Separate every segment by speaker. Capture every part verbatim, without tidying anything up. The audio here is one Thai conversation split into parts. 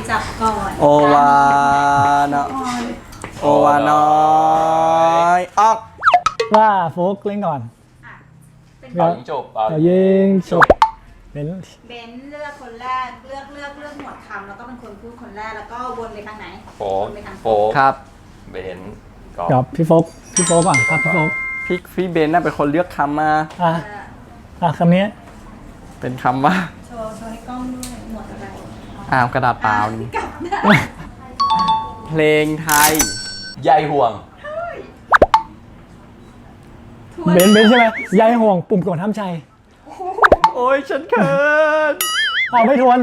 Speaker 1: จับก่อน
Speaker 2: โอวาเนาะโอวาน้อยออก
Speaker 3: ว่าโฟกเล่นก่อน
Speaker 1: อ่ะเป็น
Speaker 4: เป่ายิงจบเป่า
Speaker 3: เอายิงจบเป็น
Speaker 1: เบนซ์เลือกคนแรกเลือกเลือกเลือกหมวดคำแล้วก็เป็นคนพูดคนแรกแล้วก็วนไปทางไหน
Speaker 4: โฟ
Speaker 1: ว
Speaker 4: ก
Speaker 1: นไปทาง
Speaker 4: โฟก
Speaker 2: ครับ
Speaker 4: เบนกอ
Speaker 3: กับ
Speaker 4: ล์ฟ
Speaker 3: พี่โฟกพี่โฟกก่อนครับพี่โฟก
Speaker 2: พี่พี่เบนน่าเป็นคนเลือกคำมา
Speaker 3: อ่ะ
Speaker 1: เออ
Speaker 3: อ่ะคำนี้
Speaker 2: เป็นคำว่า
Speaker 1: โชว์โชว์ให้กล้องด้วยหมวดอะไร
Speaker 2: อ้าวกระดาษเปล่านี่
Speaker 1: กลับได้
Speaker 2: เพลงไทย
Speaker 4: ใยห่วง
Speaker 1: ทวน
Speaker 3: เบนเบนใช่ไหมยายห่วงปุ่มกดห้ามใจ
Speaker 2: โอ้ยฉันเขิน
Speaker 3: เอาไม่ทวน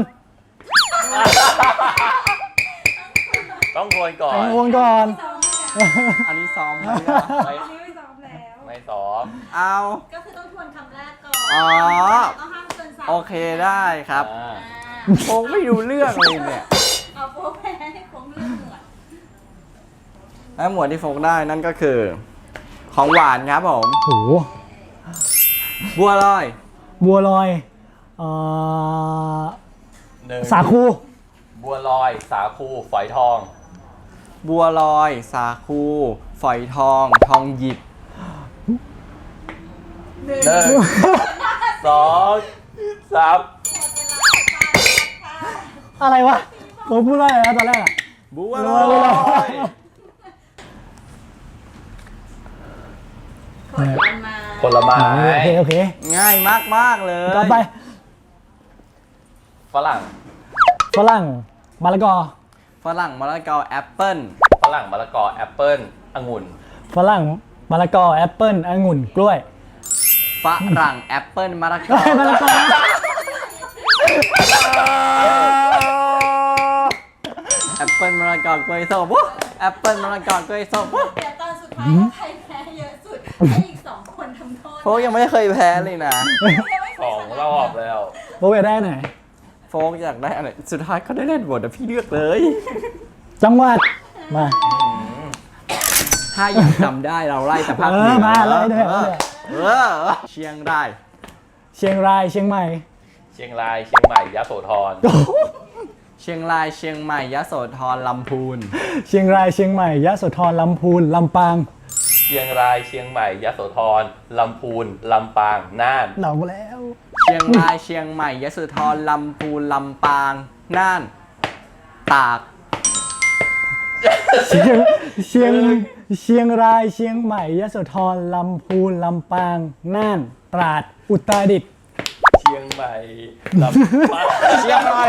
Speaker 4: ต้องทวนก่อน
Speaker 3: ทวนก่อน
Speaker 2: อันนี้ซ้อมไหม
Speaker 4: ไม่
Speaker 1: อันนี้ไม่ซ้อมแล้ว
Speaker 4: ไม่ซ้อม
Speaker 2: เอา
Speaker 1: ก็คือต้องทวนคำแรกก่อน
Speaker 2: อ๋อ
Speaker 1: ก็ห้ามเกินสาม
Speaker 2: โอเคได้ครับ
Speaker 4: อ่า
Speaker 1: อ่า
Speaker 2: คงไม่รู้เรื่องเลยเนี่ย
Speaker 1: เอาโฟกแพ้ให้คงเลือกหมวด
Speaker 2: และหมวดที่โฟกได้นั่นก็คือ ของหวานครับผม
Speaker 3: โห
Speaker 2: บัวลอย
Speaker 3: บัวลอยเอ่อ
Speaker 4: หนึ่ง
Speaker 3: สาคู
Speaker 4: บัวลอย สาคูฝอยทอง
Speaker 2: บัวลอย สาคูฝอยทอง ทองหยิบ
Speaker 1: หนึ่ง
Speaker 4: หนึ่งสองสาม
Speaker 3: อะไรวะผมพูดว่าอะไรนะตอนแรกอะ
Speaker 2: บัว
Speaker 3: บั
Speaker 2: ล
Speaker 3: วล
Speaker 2: อ
Speaker 3: อย
Speaker 2: ย
Speaker 1: ผลไม้
Speaker 4: ผลไม้
Speaker 3: โอเคโอเค
Speaker 2: ง่ายมากมากๆเลย
Speaker 3: ต่อไป
Speaker 4: ฝรั่ง
Speaker 3: ฝรั่งมะละกอ
Speaker 2: ฝรั่งมะละกอแอปเปิ้ล
Speaker 4: ฝรั่งมะละกอแอปเปิ้ลองุ่น
Speaker 3: ฝรั่งมะละกอแอปเปิ้ลองุ่นกล้วย
Speaker 2: ฝรั่งแอปเปิ้ลมะละกอ
Speaker 3: เฮ้ยมะละกอ
Speaker 2: แอปเปิ้ลมะละกอกล้วยส้มวู้แอปเปิ้ลมะละกอกล้วยส้มวู้
Speaker 1: เดี๋ยวตอนสุดท้ายว่าใครแพ้เยอะสุดให้อีกสองคนทำโทษ
Speaker 2: โฟกยังไม่เคยแพ้เลยนะ
Speaker 4: สองรอบแล้ว
Speaker 3: โบเวได้ไหน
Speaker 2: โฟกอยากได้อะไรสุดท้ายเขาได้เล่นบทแต่พี่เลือกเลย
Speaker 3: จังหวัดมา
Speaker 2: ถ้ายังจำได้เราไล่แต่ภาค
Speaker 3: เอ
Speaker 2: เหนื
Speaker 3: อมาไล่ด้วย
Speaker 2: เออเออเชียงราย
Speaker 3: เชียงรายเชียงใหม่
Speaker 4: เชียงราย เชียงใหม่ยะโสธร
Speaker 2: เชียงรายเชียงใหม่ยโสธรลำพูน
Speaker 3: เชียงรายเชียงใหม่ยะโสธรลำพูนลำปาง
Speaker 4: เชียงราย เชียงใหม่ยะโสธรลำพูนลำปางน่าน
Speaker 3: เหล่าแล้ว
Speaker 2: เชียงรายเชียงใหม่ยโสธรลำพูนลำปางน่านตาก
Speaker 3: เชียงเชียงเชียงรายเชียงใหม่ยโสธรลำพูนลำปางน่านตราดอุตรดิตถ์
Speaker 4: เชียงใหม่ลำปาง
Speaker 2: เชียงราย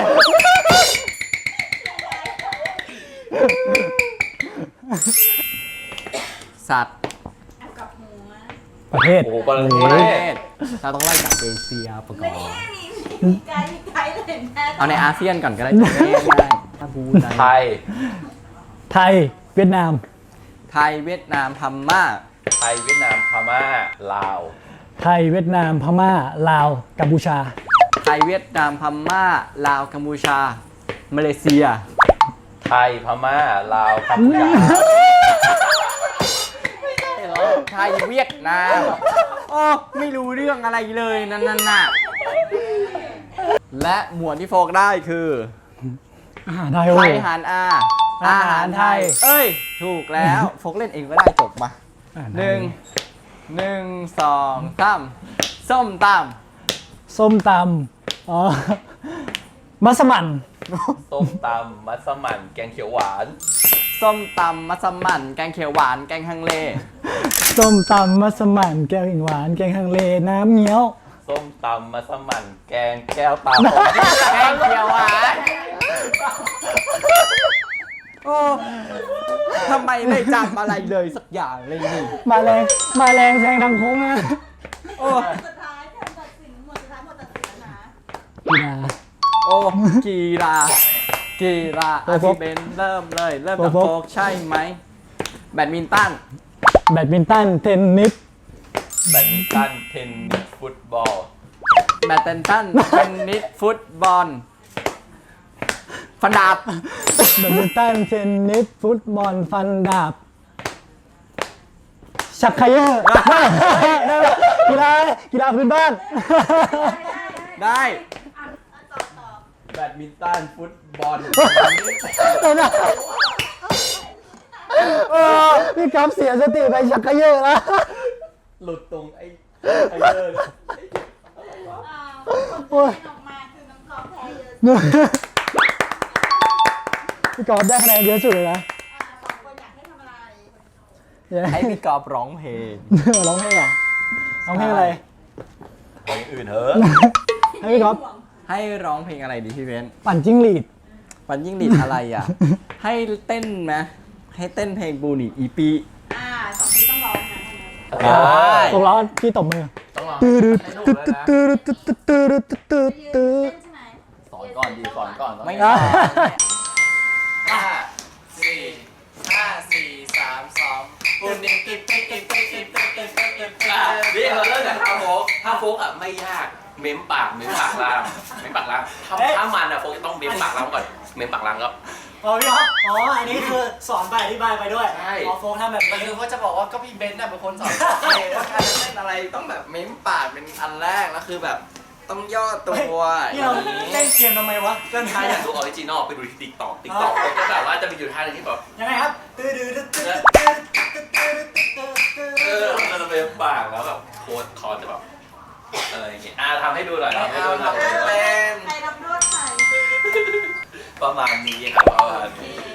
Speaker 2: สัตว์
Speaker 1: เอากลับหัว
Speaker 3: ประเทศ
Speaker 4: โอ้โหประ
Speaker 2: ประ
Speaker 4: เท
Speaker 2: เท
Speaker 4: ศ
Speaker 2: ศเราต้องไล่จากเอเชียประกอ
Speaker 1: ไม่
Speaker 2: บ
Speaker 1: มีมีไกด์มีไกด์เลยแพ้
Speaker 2: เอาในอาเซียนก่อนก็ได้จะได้ง่ายๆถ้าพูด
Speaker 4: ไท
Speaker 2: ได้
Speaker 4: ย
Speaker 3: ไทยเวียดนาม
Speaker 2: ไทยเวียดนามพม่า
Speaker 4: ไทยเวียดนามพม่าลาว
Speaker 3: ไทยเวียดนามพม่าลาวกัมพูชา
Speaker 2: ไทยเวียดนามพม่าลาวกัมพูชามาเลเซีย
Speaker 4: ไทยพม่าลาวกัมพูชา
Speaker 2: ไทยเวียดนามโอ้ไม่รู้เรื่องอะไรเลยนั่นน่ะและหมวดที่โฟกได้คือ
Speaker 3: อาหารไทยโอ้
Speaker 2: ไท
Speaker 3: โห
Speaker 2: ยหารอา
Speaker 3: อาหารไทย
Speaker 2: เอ้ย ถูกแล้วโฟกเล่นเองก็ได้จบมา
Speaker 3: อาหารไทย
Speaker 2: หนึ่งหนึ่งสองสามส้มต
Speaker 3: ส้มตำอ๋อมัสมั่น
Speaker 4: ส้มตำมัสมั่นแกงเขียวหวาน
Speaker 2: ำส้มตำมัสมั่นแกงเขียวหวานแกงฮังเล
Speaker 3: ส้มตำมัสมั่นแกงหวานแกงฮังเลน้ำเงี้ยว
Speaker 4: ส้มตำมัสมั่นแกงแก้วตา
Speaker 2: แกงเขียวหวานโอ้ทำไมไม่จำอะไรเลยสักอย่างเลยนี่
Speaker 3: มาแรงมาแรงแซงทางโค้งนะ
Speaker 2: โอ้
Speaker 1: สุดท้ายการตัดสินหมวดสุดท้ายหมวดตัดสินแล้วนะ
Speaker 3: กีฬา
Speaker 2: โอ้กีฬากีฬา
Speaker 3: โอ้
Speaker 2: อา
Speaker 3: โฟ
Speaker 2: พี่
Speaker 3: ก
Speaker 2: เบนเริ่มเลยเริ่มจาก
Speaker 3: โอ้โฟก
Speaker 2: โฟกใช่ไหมแบดมินตัน
Speaker 3: แบดมินตันเทนนิส
Speaker 4: แบดมินตันเทนนิสฟุตบอล
Speaker 2: แบดมินตันเทนนิสฟุตบอลฟันดาบ
Speaker 3: แบดมินตันเทนนิสฟุตบอลฟันดาบชักไคเยอร์ได้ได้กีฬากีฬาพื้นบ้าน
Speaker 2: ได้
Speaker 1: อ่ะต่อต่อ
Speaker 4: แ
Speaker 2: บดมินตันฟุตบอล
Speaker 3: เดี๋ยวนะเออพี่ก๊อฟเสียสติไปชักกระเยอะแล้ว
Speaker 2: หลุดตรงไอ้ไอ้เดิน
Speaker 1: อ้าวคนที่เล่นออกมาคือน้องกอล์ฟแพ้เยอะ
Speaker 3: พี่ก๊อฟได้คะแนนเยอะสุดเลยนะ
Speaker 1: อ่าสองคนอยากให้ทำอะไร
Speaker 3: เดี๋ยวนะ
Speaker 2: ให้พี่กอบร้องเพลง
Speaker 3: ร้องเพลงเหรอร้องเพลงอะไร
Speaker 4: ของอย่างอื่นเถอะ
Speaker 3: ให้พี่ก๊อฟ
Speaker 2: ให้ร้องเพลงอะไรดีพี่เบนซ์
Speaker 3: ปั่นจิ้งหรีด
Speaker 2: ปันยิ่งดีดอะไรอ่ะ ให้เต้นไหมให้เต้นเพลงบูนี่อีปี
Speaker 1: อ่าสองที่ต้องร้องนะ
Speaker 2: ได้
Speaker 3: ตกล้อพี่ตบมือ
Speaker 4: ต้องลอง
Speaker 3: ตื้อตื้อ
Speaker 4: ให้ถูก
Speaker 3: ตื้อ
Speaker 4: เลยนะ
Speaker 3: ตื้อตื้อตื้อตื้อตื้อตื้อ
Speaker 1: ยื
Speaker 3: ตื้อ
Speaker 1: นเต้นใช่ไหม
Speaker 4: สอนก่อนดีสอนก่อน
Speaker 2: ไม่
Speaker 3: อ่ะ
Speaker 2: ได้
Speaker 5: ห้าสี่ห้าสี่สามสองปุ่นนิกิปปิ๊กปิ๊กปิ๊กปิ๊กปิ๊กปิ๊กปิ๊กปิ๊ก
Speaker 4: อ่ะนี่เราเริ่มจากท่าโฟกท่าโฟกอ่ะไม่ยาก เม้มปาก เม้มปากล่าง เม้มปากล่างถ้าถ้ามันอ่ะโฟกจะต้องเม้มปากล่างก่อน เม้มปากล่างก็
Speaker 6: อ๋อพี่ครับอ๋อ อันนี้คือสอนไปอธิบายไปด้วย
Speaker 4: ใช่
Speaker 6: อ๋อโฟกทำแบบ
Speaker 5: มัน
Speaker 6: นี้
Speaker 5: คือว่าจะบอกว่าก็พี่เบนซ์น่ะเป็นคนสอนว่าการจะเล่นอะไรต้องแบบเม้มปากเป็นอันแรกแล้วคือแบบต้องย่อตัว
Speaker 6: นี่เราเล่นเกมทำไมวะเล่น
Speaker 4: ถ้าอยากดูออริจินอลไปดูที่ติ๊กต็อกติ๊กต็อกก็แบบว่าจะมีอยู่ท่าหนึงที่แบบ
Speaker 6: ยังไงครับตื้อดื้อตื้อตื้อตื้อตื้อตื้อตื้อ
Speaker 4: เออมันจะเป็นปากแล้วแบบโค้ดคอจะแบบอะไรอย่างเงี้ยอ่ะทำให้ดูหน่อยทำให้
Speaker 5: เอา
Speaker 4: ดูหน่อย
Speaker 5: ทำเป็น
Speaker 1: ใครรับนวดใคร
Speaker 4: ประมาณนี้ครับประมาณนี้